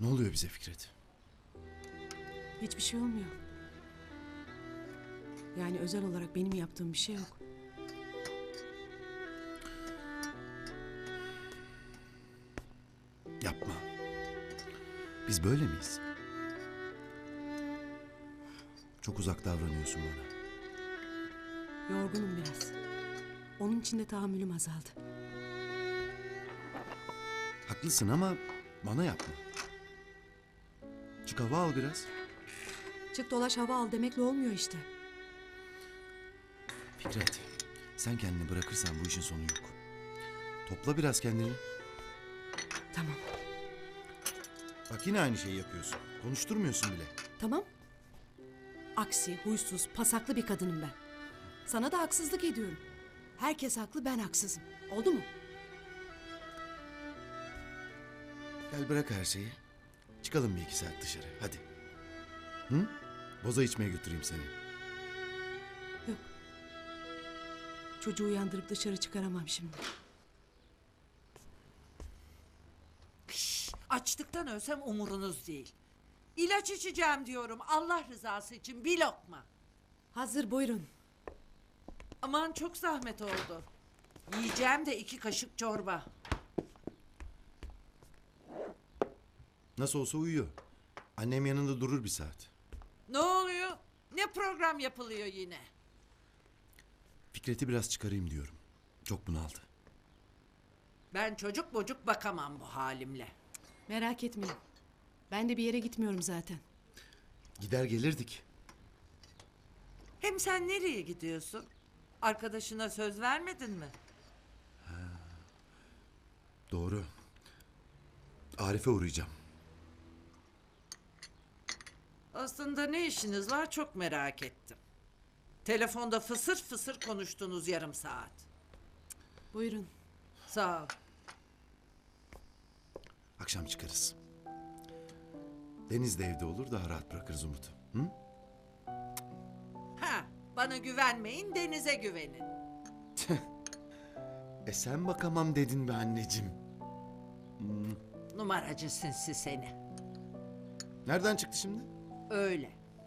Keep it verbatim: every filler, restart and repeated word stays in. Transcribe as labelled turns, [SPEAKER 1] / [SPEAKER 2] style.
[SPEAKER 1] Ne oluyor bize Fikret?
[SPEAKER 2] Hiçbir şey olmuyor. Yani özel olarak benim yaptığım bir şey yok.
[SPEAKER 1] Yapma. Biz böyle miyiz? Çok uzak davranıyorsun bana.
[SPEAKER 2] Yorgunum biraz. Onun için de tahammülüm azaldı.
[SPEAKER 1] Haklısın ama bana yapma. Çık hava al biraz.
[SPEAKER 2] Çık dolaş hava al demekle olmuyor işte.
[SPEAKER 1] Fikret, sen kendini bırakırsan bu işin sonu yok. Topla biraz kendini.
[SPEAKER 2] Tamam.
[SPEAKER 1] Bak yine aynı şeyi yapıyorsun. Konuşturmuyorsun bile.
[SPEAKER 2] Tamam. Aksi, huysuz, pasaklı bir kadınım ben. Sana da haksızlık ediyorum. Herkes haklı, ben haksızım. Oldu mu?
[SPEAKER 1] Gel bırak her şeyi. Çıkalım bir iki saat dışarı. Hadi. Hı? Boza içmeye götüreyim seni.
[SPEAKER 2] Yok. Çocuğu uyandırıp dışarı çıkaramam şimdi.
[SPEAKER 3] Açlıktan ölsem umurunuz değil. İlaç içeceğim diyorum Allah rızası için bir lokma.
[SPEAKER 2] Hazır, buyurun.
[SPEAKER 3] Aman çok zahmet oldu. Yiyeceğim de iki kaşık çorba.
[SPEAKER 1] Nasıl olsa uyuyor. Annem yanında durur bir saat.
[SPEAKER 3] Ne oluyor? Ne program yapılıyor yine?
[SPEAKER 1] Fikret'i biraz çıkarayım diyorum. Çok bunaldı.
[SPEAKER 3] Ben çocuk bocuk bakamam bu halimle.
[SPEAKER 2] Merak etmeyin. Ben de bir yere gitmiyorum zaten.
[SPEAKER 1] Gider gelirdik.
[SPEAKER 3] Hem sen nereye gidiyorsun? Arkadaşına söz vermedin mi?
[SPEAKER 1] Doğru. Arif'e uğrayacağım.
[SPEAKER 3] Aslında ne işiniz var çok merak ettim. Telefonda fısır fısır konuştunuz yarım saat.
[SPEAKER 2] Buyurun.
[SPEAKER 3] Sağ ol.
[SPEAKER 1] Akşam çıkarız. Deniz de evde olur, daha rahat bırakırız Umut'u. Hı?
[SPEAKER 3] Ha, bana güvenmeyin, denize güvenin.
[SPEAKER 1] E sen bakamam dedin be anneciğim.
[SPEAKER 3] Numaracı sinsi seni.
[SPEAKER 1] Nereden çıktı şimdi?
[SPEAKER 3] Öyle.